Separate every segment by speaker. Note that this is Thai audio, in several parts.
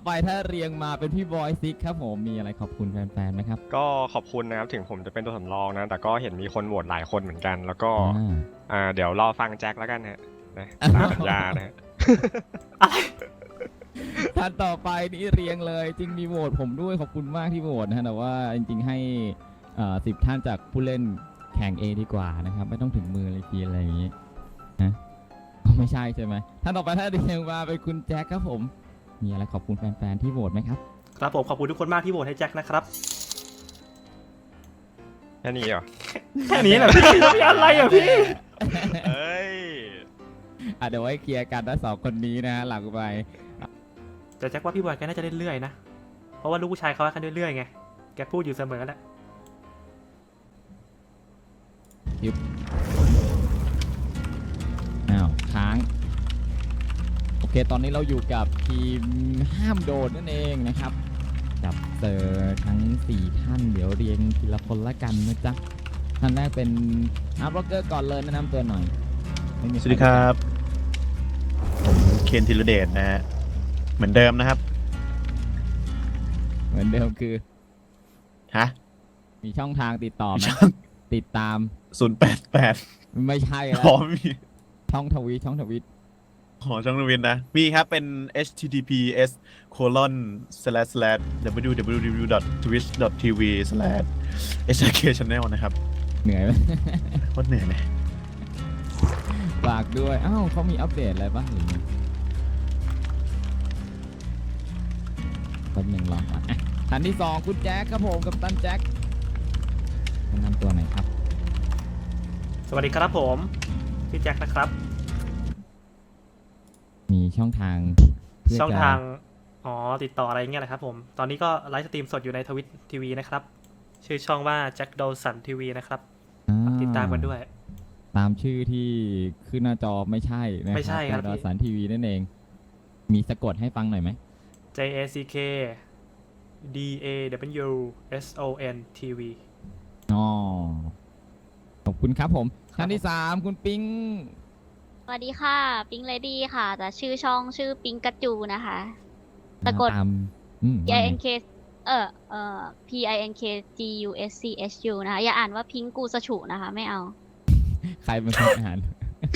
Speaker 1: ไปถ้าเรียงมาเป็นพี่บอยซิกครับผมมีอะไรขอบคุณแฟนๆไหมครับ
Speaker 2: ก็ขอบคุณนะครับถึงผมจะเป็นตัวสำรองนะแต่ก็เห็นมีคนโหวตหลายคนเหมือนกัน แล้วก็ เดี๋ยวรอฟังแจ็คแล้วกันนะตามสัญญานะฮะ
Speaker 1: ท่านต่อไปนี่เรียงเลยจริงมีโหวตผมด้วยขอบคุณมากที่โหวตนะฮะแต่ว่าจริงๆให้10 ท่านจากผู้เล่นแข่ง A ดีกว่านะครับไม่ต้องถึงมือเลยทีอะไรอย่างนี้นะไม่ใช่ใช่ไหมท่านต่อไปถ้าเรียงมาเป็นคุณแจ็คครับผมมีอะไรขอบคุณแฟนๆที่โหวตไหมครับ
Speaker 3: ครับผมขอบคุณทุกคนมากที่โหวตให้แจ็คนะครับ
Speaker 2: แค่นี้เหรอ
Speaker 3: แค่นี้แหละพี่มีอะไรอ่ะพี่
Speaker 2: เอ้ย
Speaker 1: เดี๋ยวไว้เคลียร์กันนะ2 คนนี้นะฮะหลังไป
Speaker 3: แต่แจ็คว่าพี่บอยแกน่าจะเรื่อยๆนะเพราะว่าลูกผู้ชายเขาว่ากันเรื่อยๆไงแกพูดอยู่เสมอแหละ
Speaker 1: ค้างโอเคตอนนี้เราอยู่กับทีมห้ามโดนนั่นเองนะครับจับเจอทั้ง4 ท่านเดี๋ยวเรียงทีละคนละกันนะจ๊ะท่านแรกเป็นอาร์บล็อกเกอร์ก่อนเลยแนะนำตัวหน่อย
Speaker 4: สวัสดีครับผมเคนธีรเดชนะฮะเหมือนเดิมนะครับ
Speaker 1: เหมือนเดิมคือ
Speaker 4: ฮะ
Speaker 1: มีช่องทางติดต่อไหมติดตาม
Speaker 4: 088
Speaker 1: ไม่ใช่แล้ว
Speaker 4: มี
Speaker 1: ช่องทวิต
Speaker 4: ช่องทวิตนะมีครับเป็น https://www.twitch.tv/hkchannel นะครับ
Speaker 1: เหนื่อยไหม
Speaker 4: โคตรเหนื่อยเลย
Speaker 1: ฝากด้วยเขามีอัปเดตอะไรบ้างหรือคนหนึ่งลองก่อนท่านที่2คุณแจ็คครับผมกับตันแจ็คแนะนำตัวหน่อยครับ
Speaker 3: สวัสดีครับผมพี่แจ็คนะครับ
Speaker 1: มีช่องทาง
Speaker 3: ติดต่ออะไรเงี้ยแหละครับผมตอนนี้ก็ไลฟ์สตรีมสดอยู่ในทวิตทีวีนะครับชื่อช่องว่าแจ็คโดสันทีวีนะครับติดตามกันด้วย
Speaker 1: ตามชื่อที่ขึ้นหน้าจอไม่ใช่นะครับ
Speaker 3: ไม่ใช่ครับ
Speaker 1: โดสันทีวีนั่นเองมีสะกดให้ฟังหน่อยไหม
Speaker 3: JACK DAWSON TV
Speaker 1: ขอบคุณครับผมท่านที่3คุณปิง
Speaker 5: สวัสดีค่ะปิงเลดี้ค่ะแต่ชื่อช่องชื่อปิงกัจจูนะคะสะกด PINK PINKGUSCHU นะคะอย่าอ่านว่าพิงกูสฉุนะคะไม่เอา
Speaker 1: ใครเป็นคนอ่าน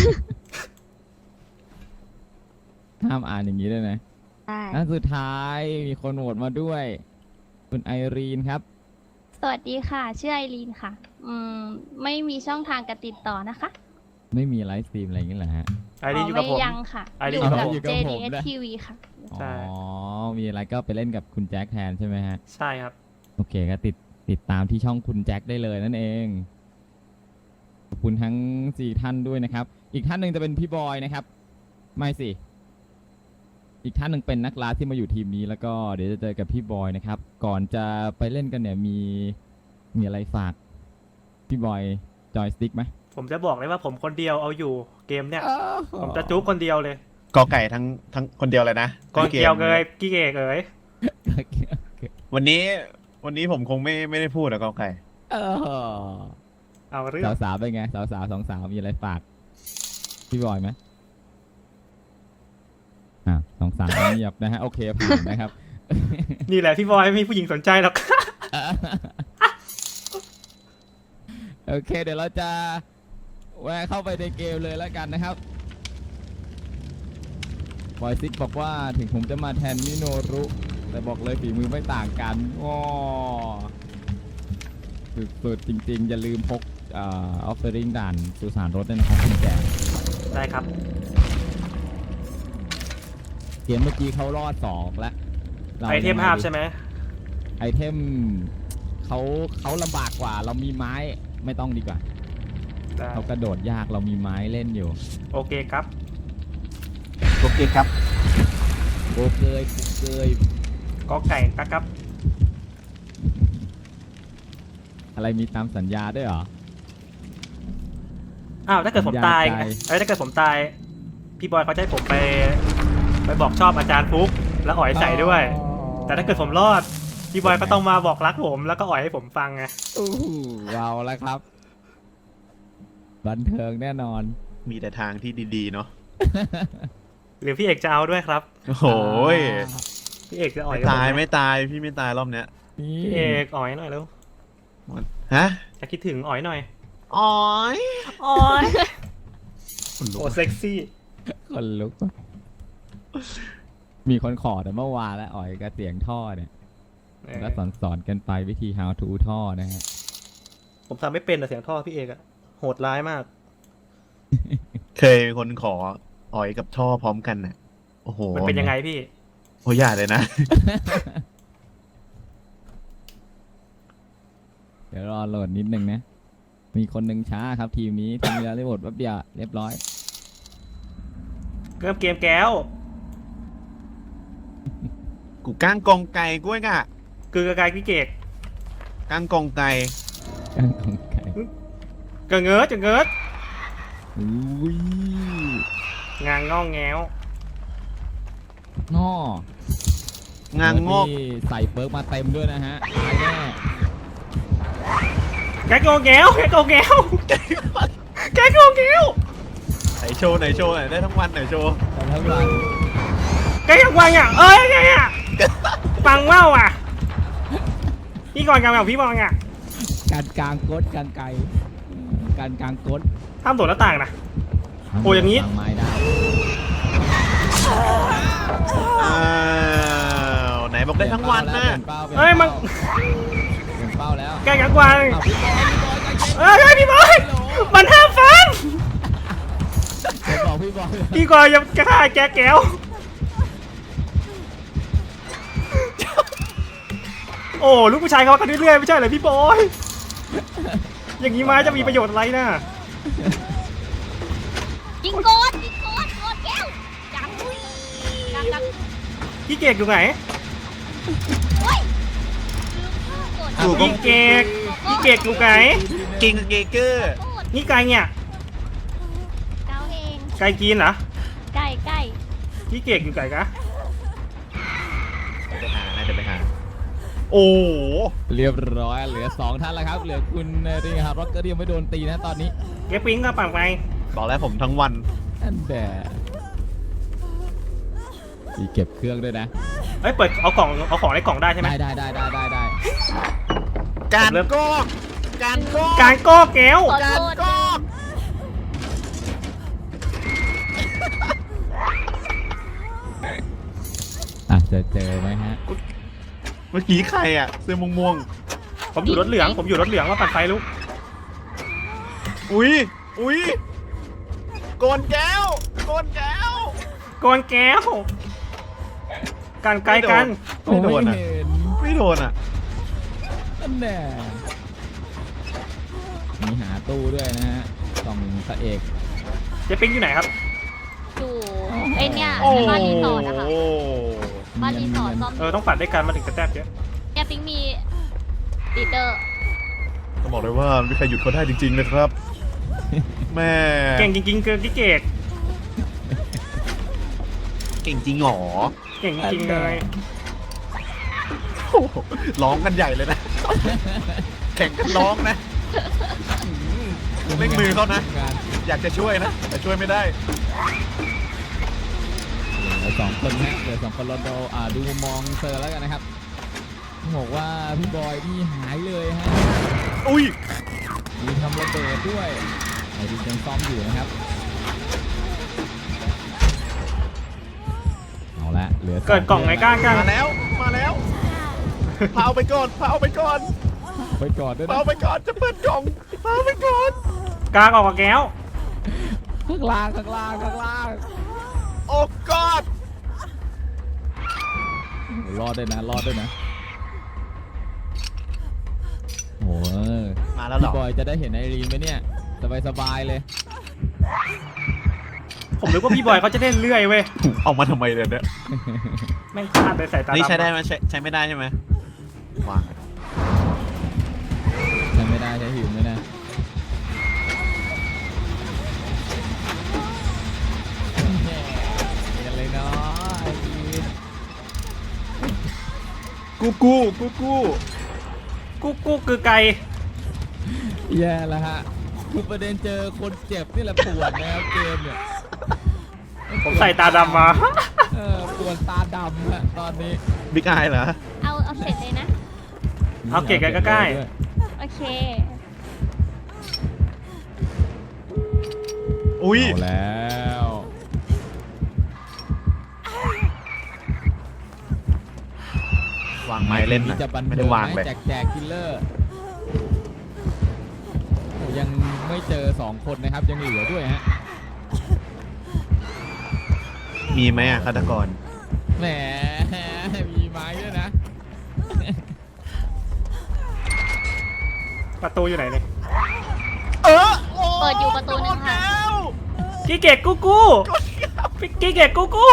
Speaker 1: ห้ามอ่านอย่างนี้ด้วยนะแล้วสุดท้ายมีคนโหวตมาด้วยคุณไอรีนครับ
Speaker 6: สวัสดีค่ะชื่อไอรีนค่ะไม่มีช่องทางการติดต่อนะคะ
Speaker 1: ไม่มีไลฟ์สตรีมอะไรอย่างเงี้ยเหรอฮะ
Speaker 3: ไอรีนอยู่กับผม
Speaker 6: ยังค่ะ
Speaker 3: อยู่
Speaker 6: กับ JDS TV ค่ะ
Speaker 1: มีอะไรก็ไปเล่นกับคุณแจ็คแทนใช่ไหมฮะ
Speaker 3: ใช่ครับ
Speaker 1: โอเคก็ติดตามที่ช่องคุณแจ็คได้เลยนั่นเองขอบคุณทั้ง4 ท่านด้วยนะครับอีกท่านหนึ่งจะเป็นพี่บอยนะครับไม่สิอีกท่านหนึ่งเป็นนักล่าที่มาอยู่ทีมนี้แล้วก็เดี๋ยวจะเจอกับพี่บอยนะครับก่อนจะไปเล่นกันเนี่ยมีอะไรฝากพี่บอยจอยสติ๊กไหม
Speaker 3: ผมจะบอกเลยว่าผมคนเดียวเอาอยู่เกมเนี่ยผมจะจุ๊บคนเดียวเลย
Speaker 4: กอไก่ทั้งคนเดียวเลยนะ
Speaker 3: กอเกียวเลยกี้เกกเลย
Speaker 4: วันนี้ผมคงไม่ได้พูดนะกอไก่
Speaker 3: เอาเรื่อง
Speaker 1: สาวเป็นไงสาว2 สาวมีอะไรฝากพี่บอยไหม2 3เงียบนะฮะโอเคผ่านนะครับ
Speaker 3: นี่แหละพี่บอยไม่มีผู้หญิงสนใจหรอก
Speaker 1: โอเคเดี๋ยวเราจะแวะเข้าไปในเกมเลยแล้วกันนะครับบอยซิกบอกว่าถึงผมจะมาแทนมิโนรุแต่บอกเลยฝีมือไม่ต่างกันสุดจริงๆอย่าลืมพกออฟเฟอริงด่านสุสานรถด้วยนะครับคุณแจ
Speaker 3: ได้ครับ
Speaker 1: เกมเมื่อกี้เขารอด2แล้ว
Speaker 3: ไอเทมภาพใช่ไหม
Speaker 1: ไอเทมเขาลำบากกว่าเรามีไม้ไม่ต้องดีกว่าเขากระโดดยากเรามีไม้เล่นอยู่
Speaker 3: โอเคครับ
Speaker 1: โอเคก็
Speaker 3: ไก่ครับ
Speaker 1: อะไรมีตามสัญญาด้วยเหรอ
Speaker 3: ถ้าเกิดผมตายถ้าเกิดผมตายพี่บอยเขาจะให้ผมไปบอกชอบอาจารย์ฟุกแล้วอ่อยใส่ด้วยแต่ถ้าเกิดผมรอดพี่บอยก็ต้องมาบอกรักผมแล้วก็อ่อยให้ผมฟังไง
Speaker 1: เราแล้วครับบันเทิงแน่นอน
Speaker 4: มีแต่ทางที่ดีๆเนาะ
Speaker 3: หรือพี่เอกจะเอาด้วยครับ
Speaker 4: โอ้ย
Speaker 3: พี่เอกจะอ่อย
Speaker 4: ไม่
Speaker 3: กับผ
Speaker 4: ตาย
Speaker 3: ห
Speaker 4: ไม่ตายพี่ไม่ตายรอบเนี้ย
Speaker 1: นี่
Speaker 3: พี่เอกอ่อยหน่อยเร็ว
Speaker 4: ฮะ
Speaker 3: จะคิดถึงอ่อยหน่อย
Speaker 4: อ๋อย
Speaker 3: อ่อยโอ้เซ็กซี่
Speaker 1: คนลุกว่ะมีคนขอแต่เมื่อวานแล้วอ๋อยกับเสียงท่อเนี่ยแล้วสอนกันไปวิธี how to ท่อนะฮะ
Speaker 3: ผมทำไม่เป็นแต่เสียงท่อพี่เอกอะโหดร้ายมาก
Speaker 4: เคยมีคนขออ๋อยกับท่อพร้อมกันน่ะโอ้โห
Speaker 3: มันเป็นยังไงพี่
Speaker 4: โอ้ยอย่าเลยนะ
Speaker 1: เดี๋ยวรอโหลดนิดนึงนะ มีคนหนึ่งช้าครับทีมนี้ทำเวลาได้หมดแป๊บเดียวเรียบร้อย
Speaker 3: เริ่มเกมแก้ว
Speaker 4: กูก้างกองไก่กล้วยกะ
Speaker 3: คือกระกายพี่เกก
Speaker 4: ก้างกองไก่
Speaker 1: กางของไก่
Speaker 3: กระเงิดจะเงิด
Speaker 1: อุ้ย
Speaker 3: งางง่องแง้ว
Speaker 1: ง้อง
Speaker 4: างงอก
Speaker 1: ที่ใส่เปิร์กมาเต็มด้วยนะฮะตายแน่
Speaker 3: แกโกงแง้วแกโกงแง้วแกโกงแง้ว
Speaker 4: ไหนโชว์ไหนโชว์ไหนได้ทั้งวันไหนโชว์
Speaker 1: แต่ทั้งวัน
Speaker 3: แกอยากวางอ่ะเอ้ยไงอ่ะฟังว่าวอ่ะพี่ก่อนกันแบบพี่บอลอ่ะ
Speaker 1: การกลางกดการไกลการกลางกด
Speaker 3: ห้ามโดดหน้าต่างนะ โอ้อย่างนี้
Speaker 1: นี้ไม้ได้
Speaker 4: อ้าวไหนบอกได้ทั้งวันนะ
Speaker 3: เอ้ยมัน
Speaker 1: เปลี่ยนเป้าแล้ว
Speaker 3: แกอยากวาง
Speaker 1: อ้าวพี่บอยใจเย็น
Speaker 3: เอ้ยพี่บอยมันห้ามฟัง
Speaker 1: เดี๋ยวบอกพี่บอย
Speaker 3: พี่ก่อนอย่าฆ่าแกแก้วโอ้ลูกผู้ชายเขากันเรื่อยๆไม่ใช่เหรอพี่บอยอย่างนี้ไม้จะมีประโยชน์อะไรนะ
Speaker 5: ยิงโกดยิงโกดโกดแก้วจังอุ้ยจัง
Speaker 3: พี่เกกอยู่ไหน
Speaker 5: โอ้ยลืมข้าวโกด
Speaker 4: ถูก
Speaker 3: พี่เกกพี่เกกอยู่ไหน
Speaker 4: กิงเกเกอร์
Speaker 5: โกด
Speaker 3: นี่ไก่เนี่ย
Speaker 5: เก้าเอง
Speaker 3: ไก่กินเหรอ
Speaker 5: ไก่ไก่
Speaker 3: พี่เกกอยู่ไก่กะ
Speaker 4: ไปหาน่าจะไปหาโอ้โห
Speaker 1: เรียบร้อยเหลือ2ท่านแล้วครับเหลือคุณรีครับร็อกเกอร์ยังไม่โดนตีนะตอนนี้
Speaker 3: เกปิ้งก็ปั่นไป
Speaker 4: บอกแล้วผมทั้งวัน
Speaker 1: อันแดมีเก็บเครื่องด้วยนะ
Speaker 3: เอ้ยเปิดเอาของในกล่องได้ใช่ไหม
Speaker 1: ได้ได้
Speaker 4: การ
Speaker 3: ผมเริ่ม
Speaker 4: กอกการกอก
Speaker 3: การก้อแก้ว
Speaker 5: ขอโทษ
Speaker 4: กอก
Speaker 1: อ่ะจะเจอไหมฮะ
Speaker 4: เมื่อกี้ใครอ่ะเสื้อม่วง
Speaker 3: ผมอยู่รถเหลืองว่าปั่นไฟลุก
Speaker 4: ๆอุ้ยอุ้ยโกนแก้วโกนแก้ว
Speaker 3: ก่อนแก้วการไกลกัน
Speaker 4: ไม่โดนอ่ะ
Speaker 1: เห็น
Speaker 4: ไม่โดนอ่ะ
Speaker 1: อันแดมีหาตู้ด้วยนะฮะกล่องพระเอก
Speaker 3: เจปิ้งอยู่ไหนครับ
Speaker 5: อยู่ไอเนี่ย
Speaker 4: โอ้
Speaker 5: บ้านรีสอร์ทนะคะ
Speaker 4: โอ้
Speaker 5: บ้านรีสอร์ทซ่อม
Speaker 3: ต้องปั่นด้วยกันมาถึงจะแทบเยอะ
Speaker 5: เนี่ยปิ๊งมีลีดเดอร์
Speaker 4: ต้องบอกเลยว่าไม่มีใครหยุดเขาได้จริงๆนะครับ แม่
Speaker 3: เก่งจริงๆคือพี่เกก
Speaker 4: เก่งจริงหรอ
Speaker 3: เก่งจริงๆเลย
Speaker 4: โอ้โหร้องกันใหญ่เลยนะ แข่งกันร้องนะเร่งมือเขานะ อยากจะช่วยนะ แต่ช่วยไม่ได้
Speaker 1: เหลือ2คนฮะเหลือ2คนรอดูดูมุมมองเซอร์แล้วกันนะครับต้องบอกว่าพี่บอยนี่หายเลยฮะ
Speaker 4: อุ้ย
Speaker 1: มีทำระเบิดด้วยไอ้ที่ยังซ่อมอยู่นะครับเอาละเหลือ
Speaker 3: เกิดกล่องไหนกล้า
Speaker 4: มาแล้ว มาแล้วพาเอาไปก่อนพาเอาไปก่อน
Speaker 1: ไปก่อนด้วย
Speaker 4: พา
Speaker 1: นะ
Speaker 4: เอาไปก่อนจะเปิดกล่องพาเอาไปก่อน
Speaker 3: กลางออกกับแก้ว
Speaker 1: ข้างล่าง
Speaker 4: โอ้กอด
Speaker 1: รอดด้วยนะโอ้ย
Speaker 4: มาแล้วเหร
Speaker 1: พี่
Speaker 4: อบ
Speaker 1: อยจะได้เห็นไอรีนไหมเนี่ยสบายเลย
Speaker 3: ผมนึกว่าพี่บอยเขาจะเล่นเรื่อยเว้ย
Speaker 4: เอามาทำไมเลยเนี่ย
Speaker 3: แม่งพลาดไปสายตา
Speaker 4: นี่ใช้ได้
Speaker 3: ดำ
Speaker 4: ไหมใช้ไม่ได้ใช่ไหมวาง
Speaker 1: ใช้ไม่ได้ใช้หิวไม่ได้กันเลยเนาะไอรีน
Speaker 4: กู
Speaker 3: กุ๊กคือไก่
Speaker 1: แย่แล้วฮะคือประเด็นเจอคนเจ็บนี่แหละปวดนะครับเกมเนี่ย
Speaker 3: ผมใส่ตาดำมา
Speaker 1: เอปวดตาดำอะตอนนี้
Speaker 4: บิ๊กอายเหรอ
Speaker 6: เอาเสร็จเลยนะ
Speaker 3: เอาเก็บกันใกล้
Speaker 6: โอเค
Speaker 4: อุ้ย
Speaker 1: เอาแล้ว
Speaker 4: วางไม้เล่น
Speaker 1: นี่
Speaker 4: นะ
Speaker 1: จะบัน
Speaker 4: ไม่
Speaker 1: เทิ
Speaker 4: ได้
Speaker 1: ง
Speaker 4: วาง
Speaker 1: ไห
Speaker 4: เล
Speaker 1: ม
Speaker 4: ย
Speaker 1: แจกคิลเลอร์โอ้ยังไม่เจอ2คนนะครับยังเหลือด้วยฮะ
Speaker 4: มีไหมอะฆาตกร
Speaker 1: แหมมีไม้ด้วยนะ
Speaker 3: ๆประตูอยู่ไหนเนี่ย
Speaker 5: เปิดอยู่ประตูหนึงค่ะ
Speaker 3: กีเกตกูกูกีเกตกูกู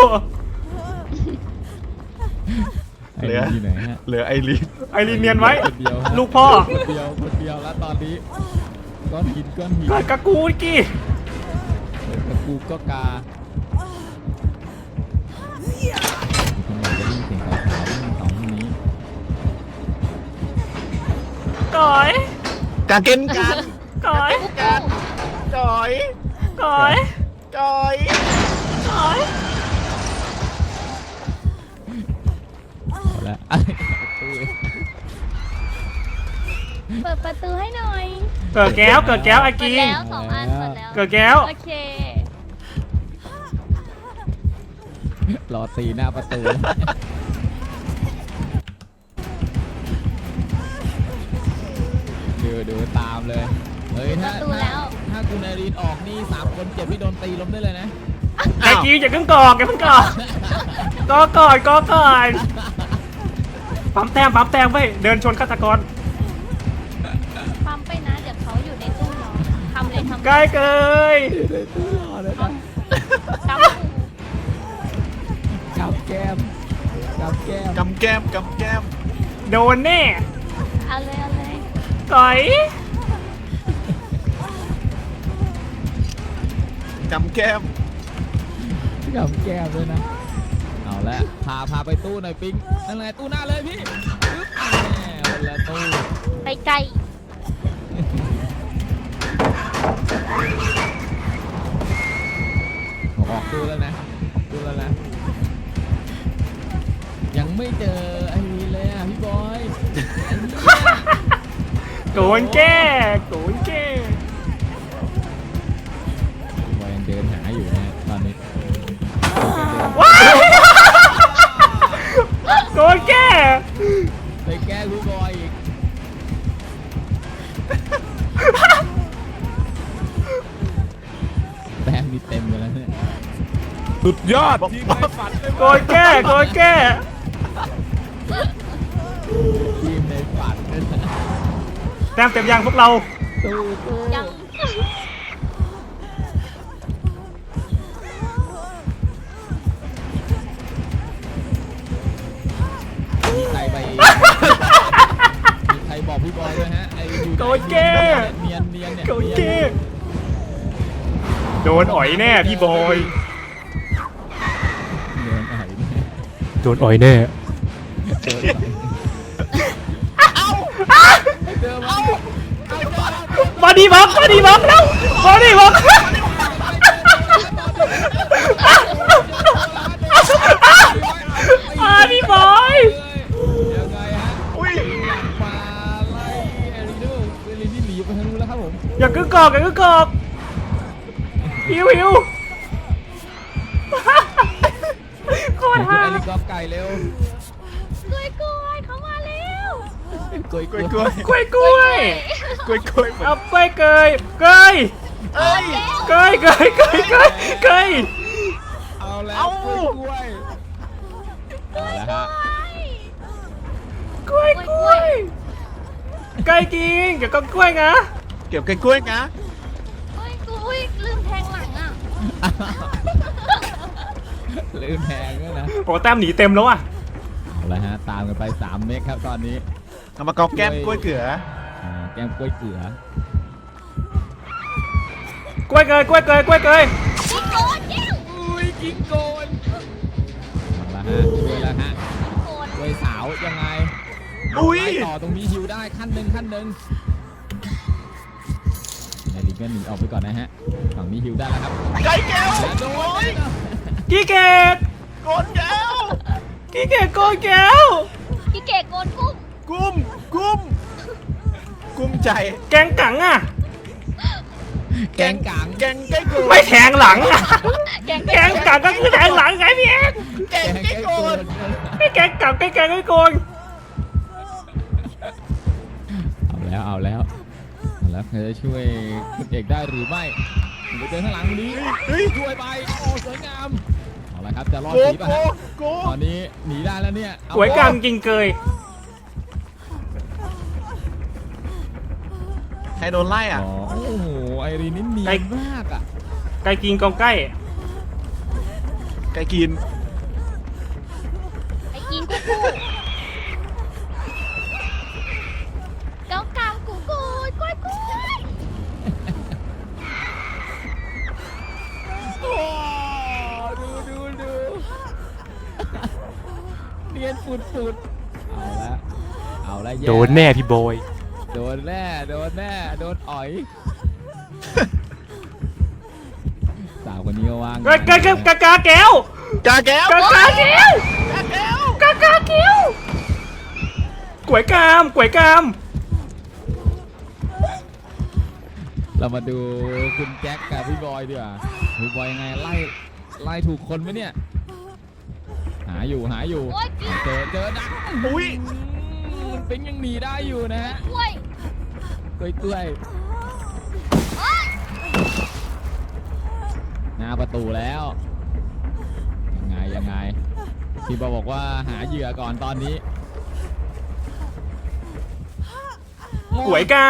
Speaker 1: ไอ้นี่อยู่ไหนฮะ
Speaker 4: เหลือไอรีน
Speaker 3: ไอรีนเนียนไว้
Speaker 1: คนเดียวฮะ
Speaker 3: ลูกพ่อ
Speaker 1: คนเดียวแล้วตอนนี้ก้อนหิน
Speaker 3: กากากูกี้
Speaker 1: ตะกูก็กาทำไมจะยิ่งเสียงขาวๆยิ่งสองคนนี้
Speaker 3: ก่อย
Speaker 4: กาเกนกัน
Speaker 3: ก่อย
Speaker 4: จอย
Speaker 3: ก่อย
Speaker 4: จอย
Speaker 3: ก่อย
Speaker 1: เอาละประตู
Speaker 6: เปิดประตูให้หน่อย
Speaker 3: เกิดแก้วเกิดแก้วไอ
Speaker 5: เปิด
Speaker 3: กี
Speaker 5: แล้ว2 อันเปิดแล้ว
Speaker 3: เกิดแก้ว
Speaker 6: โอเค
Speaker 1: รอตีหน้าประตูดูตามเลยเฮ้ย
Speaker 6: ประตูแล้ว
Speaker 1: ถ้าคุณไอรีนออกนี่3 คนเจ็บที่โดนตีล้มได้เลยนะ
Speaker 3: ไอกีอย่าเพิ่งกอกอย่าเพิ่งกอกก็ก่อนก็ก่อนปั๊มแต้มไว้เดินชนฆาตกร
Speaker 6: ปั๊มไปนะ เดี๋ยวเขาอยู่ในตู้รอทำเลยทำ
Speaker 3: ใกล้เกย
Speaker 6: กำ
Speaker 1: กับแก้ม
Speaker 4: กำแก้มกำแก้ม
Speaker 3: โดนแน่
Speaker 6: เอาเลยเอาเลย
Speaker 3: ก่อย
Speaker 4: กำแก้ม
Speaker 1: กับแก้มด้วยนะเอาละพาไปตู้หน่อยปิ๊งนั่นแหละตู้หน้าเลยพี่ปึ๊บแหมคนละตู้
Speaker 5: ไปไกล
Speaker 1: ออกตู้แล้วนะยังไม่เจอไอ้นี่เลยอ่ะพี่บอย
Speaker 3: โดนแก้โดนแก้
Speaker 1: บอยยังเดินหาอยู่นะตอนนี้
Speaker 3: ว้ายโดนแก้
Speaker 1: ไปแก้พี่บอยอีกแต้มนี่เต็มไปแล้วเนี่ย
Speaker 4: สุดยอดที่ไม่ฝันเลย
Speaker 3: โดนแก้โดนแก้
Speaker 1: ทีมในฝันด้วยนะ
Speaker 3: แต้มเต็มยังพวกเรา
Speaker 1: ตู้
Speaker 5: ยัง
Speaker 1: มีใครไปมีใครบอกพี่บอยด้วยฮะไอ้อยู่
Speaker 3: โดนแก้
Speaker 1: เนียนเนี่ย
Speaker 3: โดนแก้โดนอ่อยแน่พี่บอย
Speaker 1: เนียนหายเนี่ย
Speaker 3: โดนอ่อยแน่
Speaker 1: เจอมา
Speaker 3: บอดี้บล็อกแล้วบอดี้บล็อกพี่บอย
Speaker 1: ยังไงฮะ
Speaker 4: อุ้ย
Speaker 1: มาไล่เอริโดที่หนีไปทางนู้นแล้วครับผม
Speaker 3: อย่ากึกกอกหิวโคตร
Speaker 1: คุณ
Speaker 3: ฮา
Speaker 1: เอริกอไก่เร็ว
Speaker 6: กล้วยเขามาแล้ว
Speaker 1: กล้วย
Speaker 4: กล้วย
Speaker 3: กล้วย
Speaker 4: กล้วยกล้วย
Speaker 3: เอาไปเกย
Speaker 4: เอ้ย
Speaker 1: เอาแล้ว
Speaker 4: เอา
Speaker 1: กล้วยเอาแล้วฮะ
Speaker 3: กล้วยไก่กินเดี๋ยวก็กล้วยนะ
Speaker 4: เก็บกล้วยนะ
Speaker 6: อุ้ยลืมแทงหลังอ่ะ
Speaker 1: ลืมแพงด้วยนะ
Speaker 3: โอ้แต้มหนีเต็มแล้วอ่ะ
Speaker 1: เอาละฮะตามกันไป3 เมตรครับตอนนี้
Speaker 4: เอามากอกแก้มกล้วยเกลือ
Speaker 1: แก้มกล้วยเกลือก
Speaker 3: ล้วยเกย
Speaker 1: อุ้ยกินโกนเอาละฮะช่วยแล้วฮะกล้วยสาวยังไง
Speaker 4: อุ้ย
Speaker 1: ไปต่อตรงนี้ฮิวได้ขั้นหนึ่งนายลิงก็หนีออกไปก่อนนะฮะฝั่งนี้ฮิวได้แล้วครับ
Speaker 4: ไก่แก้ว
Speaker 1: โดน
Speaker 3: กีเกต
Speaker 4: โกนแก้ว
Speaker 3: พี่เกดโกนแก้ว
Speaker 5: พี่เกดโกนกุ้ง
Speaker 4: กุ้มใจ
Speaker 3: แกงกังอ่ะ
Speaker 1: แกงกัง
Speaker 4: แกงใกล้โกน
Speaker 3: ไม่แทงหลังอ่ะ
Speaker 5: แกง
Speaker 3: แกงกังก็คือแทงหลังไงพี่เอก
Speaker 4: แกงใกล้โกน
Speaker 3: ไม่แกงกังไม่แกงไม่โกน
Speaker 1: เอาแล้วใครจะช่วยคุณเอกได้หรือไม่ไปเจอข้างหลังนี้ช่วยไปโอ้สวยงามเอาละครับจะรอด
Speaker 4: โก
Speaker 1: หนีป่ะฮะ
Speaker 4: โก
Speaker 1: ตอนนี้หนีได้แล้วเนี่ยเอ
Speaker 3: สวยกามกินเกย
Speaker 4: ใครโดนไล่อ่ะ
Speaker 1: อ๋อโอ้โหไอรีนนี่เนียนมากอ่ะ
Speaker 3: ไก่กินกองใกล้
Speaker 4: ไก่กิน
Speaker 5: ไอ้กินกูกูเกากามกูกูกล้วยกล้วย
Speaker 1: โอ้ดูเนียนฟุดเอาละแย่
Speaker 3: โดนแน่พี่บอย
Speaker 1: โดนแน่โดนอ่อยสาวคนนี้ก็ว่าง
Speaker 3: กาแก้ว
Speaker 4: กาแก้ว
Speaker 3: กาแก้วกาแก้วกล้วยกาม
Speaker 1: เรามาดูคุณแจ็คกับพี่บอยดีกว่าพี่บอยยังไงไล่ถูกคนไหมเนี่ยหาอยู่
Speaker 5: โอ้ยกิน
Speaker 1: เจอดัก
Speaker 4: อุ้ย
Speaker 1: มันเป็นยังหนีได้อยู่นะฮะ
Speaker 5: กล้วย
Speaker 1: กล้วยหน้าประตูแล้วยังไงพี่บอยบอกว่าหาเหยื่อก่อนตอนนี้
Speaker 3: กล้วยกาม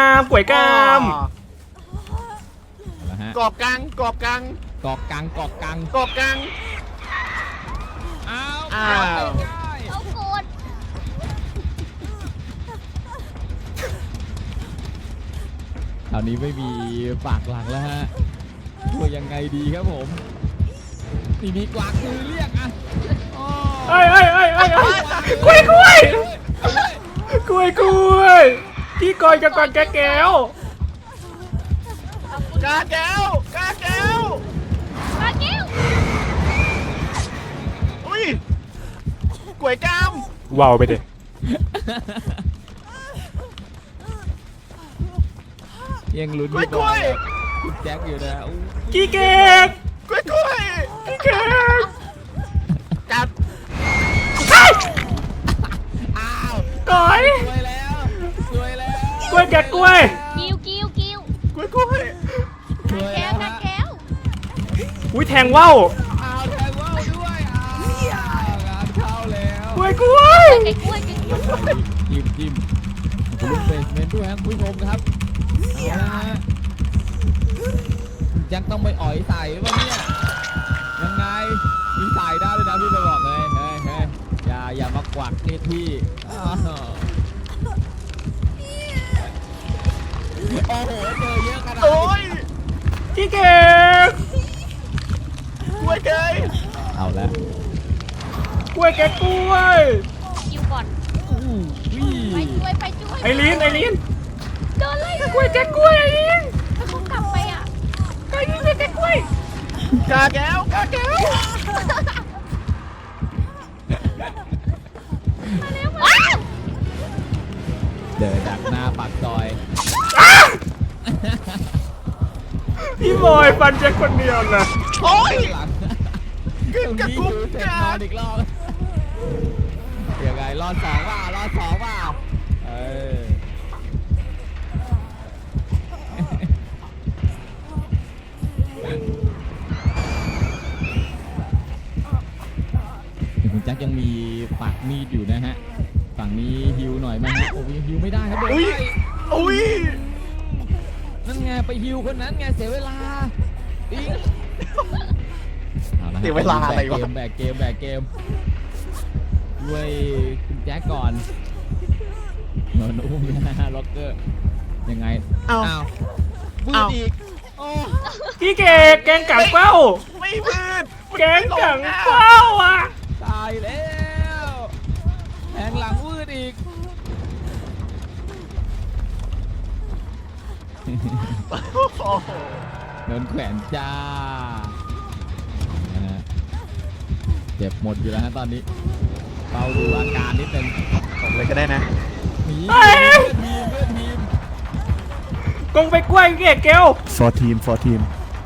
Speaker 1: นะฮะ
Speaker 4: กรอบกลาง
Speaker 1: กอกกัง
Speaker 4: อ้าว
Speaker 5: เอาโกน
Speaker 1: คราวนี้ไม่มีปากหลังแล้วฮะช่วยยังไงดีครับผมนี่มีกวากมือเรียกอ่ะอ้อ
Speaker 3: เอ้ยกล้วยพี่กอยกับกอนแก้ว
Speaker 4: กาแก้ว
Speaker 5: มาเกี้ยว
Speaker 4: อุ้ยกล้วยกาม
Speaker 3: ว้าวไปเด็
Speaker 1: ยังลุ้นพี่บอยกับคุณแจ็คอยู่นะอู้
Speaker 3: พี่เกด
Speaker 4: กล้วย
Speaker 3: พี่เกด
Speaker 4: กัด
Speaker 1: อ้าว
Speaker 3: ต่อย
Speaker 1: สวยแล้ว
Speaker 3: กล้วยแกกล้วย
Speaker 5: กิ้ว
Speaker 4: กล้วย
Speaker 1: สวย
Speaker 5: แก้
Speaker 1: แล้ว ว
Speaker 5: นะ
Speaker 1: ฮะ
Speaker 5: แก้ว
Speaker 3: อุ้ยแทงว่าว
Speaker 1: อ้าวแทงว่าวด้วยอ้าวงานเข้าแล้ว
Speaker 3: กล้วย
Speaker 5: ไก่กล้วย
Speaker 1: จิ้มคุณลุงเบสเมนต์ด้วยครับคุณผู้ชมครับเอาละฮะยังต้องไปอ่อยใส่ป่ะเนี่ยยังไงมีใส่ได้เลยนะพี่ไปบอกเลยเฮ้ยอย่ามากวักเนพี่อ้าวโอ้โหเจอเยอะขนาด
Speaker 4: โอ้
Speaker 1: นี้
Speaker 4: ย
Speaker 3: พี่เกด
Speaker 4: กล้วยเกย
Speaker 1: เอาละ
Speaker 3: กล้วยแกกล้วย
Speaker 5: กิ้วก่อน
Speaker 1: อู้วิ
Speaker 5: ไปช่วย
Speaker 3: ไอรีน
Speaker 5: โดนไล่
Speaker 3: กล้วยแกกล้วยไอรีน
Speaker 5: ถ้าเขากลับไปอ่ะ
Speaker 3: ไอรีนแกกล้วย
Speaker 4: กาแก้ว
Speaker 5: ว้าว
Speaker 1: เดินดักหน้าปากซอย
Speaker 3: พี่บอยฟันแจ็คคนเดียวนะ
Speaker 4: โอ้ย
Speaker 1: หลัง
Speaker 4: กึ่งกับกุ๊ก
Speaker 1: เสร็จ
Speaker 4: กาน
Speaker 1: อนอีกรอบยังไงรอดสองว่าเออคุณแจ็คยังมีปากมีดอยู่นะฮะฝั่งนี้ฮิวหน่อยไหมฮะโอ้ยฮิวไม่ได้ครับโดน
Speaker 4: อุ้ย
Speaker 1: ไล่
Speaker 4: อุ้ย
Speaker 1: นั่นไงไปฮิวคนนั้นไงเสียเวลาอิงอาละฮะ
Speaker 4: เสียเวลาอะไรวะ
Speaker 1: แบกเกมด้วยคุณแจ็คก่อนโนนอุ้มนะฮะล็อกเกอร์ยังไง
Speaker 4: เอ้า
Speaker 1: วืด
Speaker 4: เอ้า
Speaker 1: อีกโอ้
Speaker 3: พี่เกดแกงกังเป้า
Speaker 4: ไม่มืด
Speaker 3: แกงกังเป้าอ่ะ
Speaker 1: ตายแล้วแทงหลังวืดอีก
Speaker 4: โอ้โห
Speaker 1: โดนแขวนจ้านะฮะเจ็บหมดอยู่แล้วฮะตอนนี้เฝ้าดูอาการนิดนึง
Speaker 4: ผมเลยก็ได้นะ
Speaker 1: หนี
Speaker 3: เอ้ย
Speaker 1: เพื่อนทีม
Speaker 3: กงไปกล้วยเกล
Speaker 4: for team for team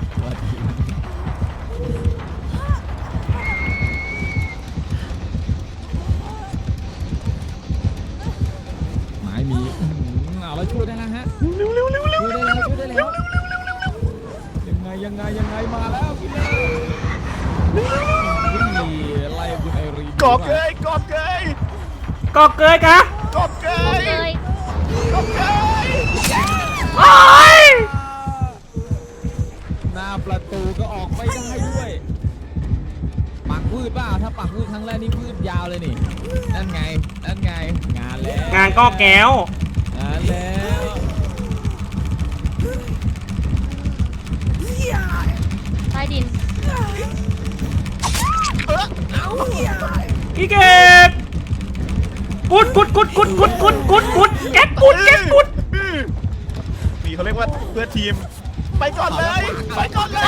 Speaker 1: หมายมีเอาแล้วช่วยได้แล้วฮะช่วยได้แล้วยังไงมาแล้วพี่เล่ไล่คุณไอรีน
Speaker 4: กอบเกยกอบเกย
Speaker 3: กอกเกยกะ
Speaker 4: กอบเกย
Speaker 5: เลย
Speaker 4: กอบเกย
Speaker 3: โอ้ย
Speaker 1: หน้าประตูก็ออกไม่ได้ด้วยปักพืชป่ะถ้าปักพืชครั้งแรกนี่พืชยาวเลยนี่นั่นไงงานแล้ว
Speaker 3: งานก็แก้ว
Speaker 1: งานแล้ว
Speaker 5: ใต้ดิน
Speaker 3: พี่เกดกุดแก๊กกุด
Speaker 4: นี่เขาเรียกว่าเพื่อทีม ไปก่อนเลย ไปก่อนเลย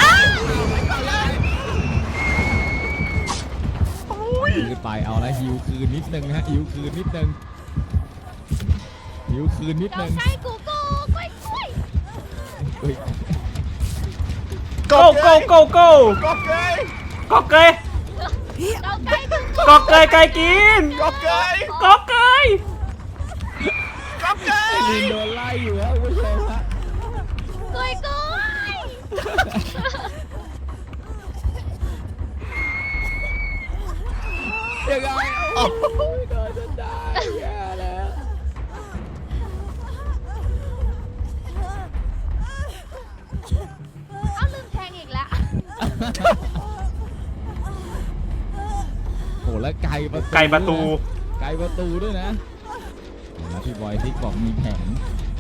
Speaker 4: โอ้ย
Speaker 1: คืนไปเอาละฮิวคืนนิดนึงนะฮะฮิวคืนนิดนึง
Speaker 5: เราใกล้กูกล้วย
Speaker 1: เฮ้ย
Speaker 3: โก
Speaker 4: กอบเกย
Speaker 3: กอกเกย
Speaker 5: เราใกล้กู
Speaker 3: กอกเกยไก่กิน
Speaker 4: กอบเกย
Speaker 3: กอกเกย
Speaker 4: กอบเก
Speaker 1: ไอย รีนโดนไล่อยู่ฮะคุณผู้ชมฮะ
Speaker 5: กล้วย
Speaker 1: ยังไง
Speaker 4: โอ้โห
Speaker 1: โดนจนได้แย่แล้ว
Speaker 5: เอาลืมแทงอีกแล้ว
Speaker 1: โอ้แล้วไก่ประตู
Speaker 3: ไก่ประตู
Speaker 1: ไก่ประตูด้วยนะแล้วพี่บอยซิกบอกมีแผน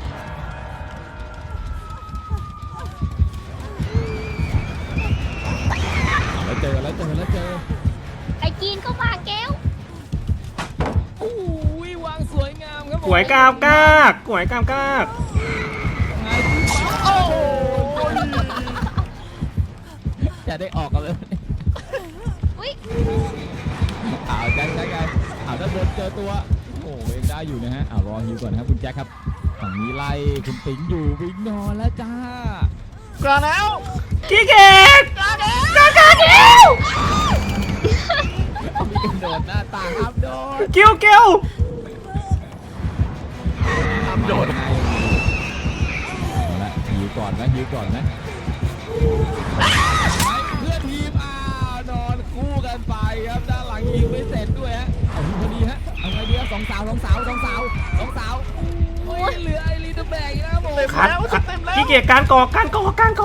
Speaker 1: แล้วเจอ
Speaker 5: ไอ้จีนก็มาแก้ว
Speaker 1: โอ้ยวางสวยงามครับผม
Speaker 3: หวยกามกากหวยกามกาก
Speaker 1: ไงโอ้ยจะได้ออกกันเลย
Speaker 5: อุ้ย
Speaker 1: เอาแจ็คเอาด้านบนเจอตัวโอ้ยังได้อยู่นะฮะรอฮิวก่อนนะครับคุณแจ็คครับฝั่งนี้ไล่คุณติ๋งอยู่วิ่งนอนแล้วจ้าก
Speaker 4: ล้าแล้ว
Speaker 3: พี่เกด
Speaker 1: มีกันโดดหน้าต่างครับโดด
Speaker 3: เกล
Speaker 4: ทำโดด
Speaker 1: เอาละฮิวก่อนนะเพื่อนทีมนอนคู่กันไปครับด้านหลังฮิวไม่เสร็จด้วยฮะเอาฮิวพอดีฮะเอาไงดีครับสองสาวโอ้ยเหลือไอรีนแบกอีกนะครับผม
Speaker 4: เต็ม
Speaker 3: คัด
Speaker 4: แล้วเต็มแล้ว
Speaker 3: พี่เกดการกอก
Speaker 1: การกอก
Speaker 3: เต็ม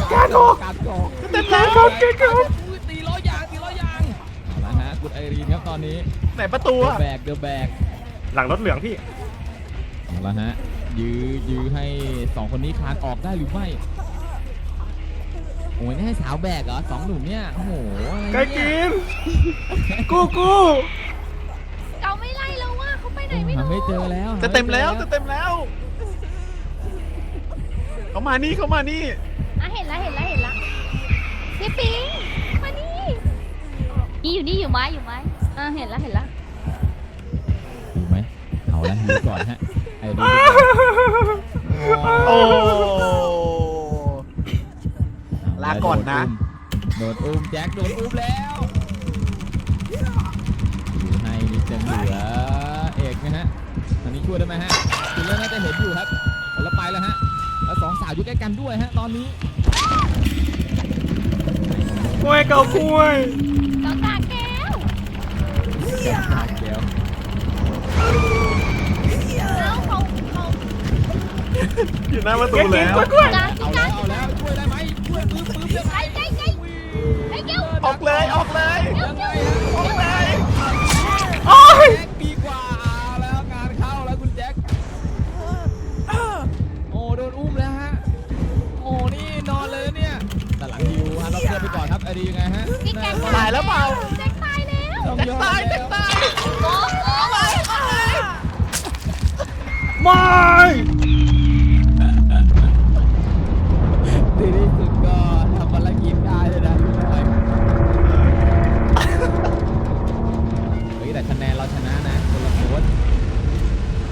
Speaker 3: แล้ว
Speaker 1: ตีล้อยางเอาละฮะคุณไอรีนครับตอนนี้
Speaker 4: ไหนประตู
Speaker 1: เด
Speaker 4: อะ
Speaker 1: อะแบก
Speaker 3: หลังรถเหลืองพี่
Speaker 1: เอาละฮะยื้อให้สองคนนี้คลานออกได้หรือไม่โอ้ยนี่ให้สาวแบกเหรอสองหนุ่มเนี่ยโอ้โหอะไร
Speaker 3: ไก่
Speaker 1: เนี่ย
Speaker 3: กินกู
Speaker 5: เขาไม่ไล่เราว่าเขาไปไหนไม่
Speaker 1: หา
Speaker 5: รู้
Speaker 1: ไม่เจอแล้ว
Speaker 4: จะเต็มแล้วเขามานี่
Speaker 5: อ่ะเห็นละพี่ปิงมานี่อยู่ไหมอ่ะเห็นละ
Speaker 1: อยู่ไหมเอาละดูก่อนฮะไอ้ดู
Speaker 4: โอ้ ลาก่อนนะ
Speaker 1: โดนอุ้มแจ็คโดนอุ้มแล้วดูให้นิดจะเหลือเอกนะฮะอันนี้ช่วยได้ไหมฮะคุณเล่นน่าจะเห็นอยู่ครับแล้วไปแล้วฮะแล้วสองสาวอยู่ใกล้กันด้วยฮะตอนนี้
Speaker 3: กล้วยเกากล้วย
Speaker 5: เราตาแก้ว
Speaker 1: เดี๋ยว
Speaker 5: แล้วเขา
Speaker 4: อยู่หน้าประตู
Speaker 3: ไก่กิน
Speaker 4: แล้ว
Speaker 3: กล้วย
Speaker 5: การ
Speaker 1: เอาแล้วช่วยได้ไหมช่วยปื้มยังไง
Speaker 5: ไอ้แก้ว
Speaker 4: ออกเลย
Speaker 1: ยังไงฮะ
Speaker 4: ออกเลย
Speaker 3: โอ้ย
Speaker 1: แจ็คดีกว่าแล้วงานเข้าแล้วคุณแจ็คโอ้โดนอุ้มแล้วฮะโอ้นี่นอนเลยเนี่ยแต่หลังฮิวฮะเราเพื่อนไปก่อนครับไอดียังไงฮะ
Speaker 5: พี่แจ็ค
Speaker 4: ตายแล้วเปล่า
Speaker 5: แจ็คตายแล้ว
Speaker 1: ต้องยอม
Speaker 4: ตาย
Speaker 1: แล้ว
Speaker 5: โอ้โห
Speaker 3: ไม่
Speaker 1: ในที่สุดก็ทำภารกิจได้เลยนะรู้ไหม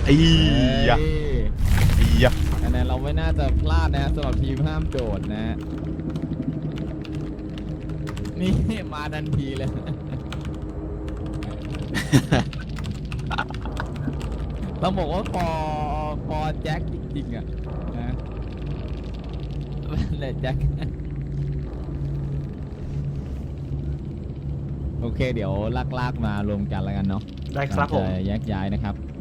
Speaker 4: อียะ
Speaker 1: เอ้ย
Speaker 4: อียะ
Speaker 1: คะแนนเราไม่น่าจะพลาดนะฮะสำหรับทีมห้ามโดดนะฮะนี่มาทันทีเลย ต้องบอกว่าพอแจ็คจริงๆอ่ะนะนั่นแหละแจ็ค โอเคเดี๋ยวลากมารวมกันแล้วกันเนาะ
Speaker 3: ได้ครับผม
Speaker 1: จะแยกย้ายนะครับ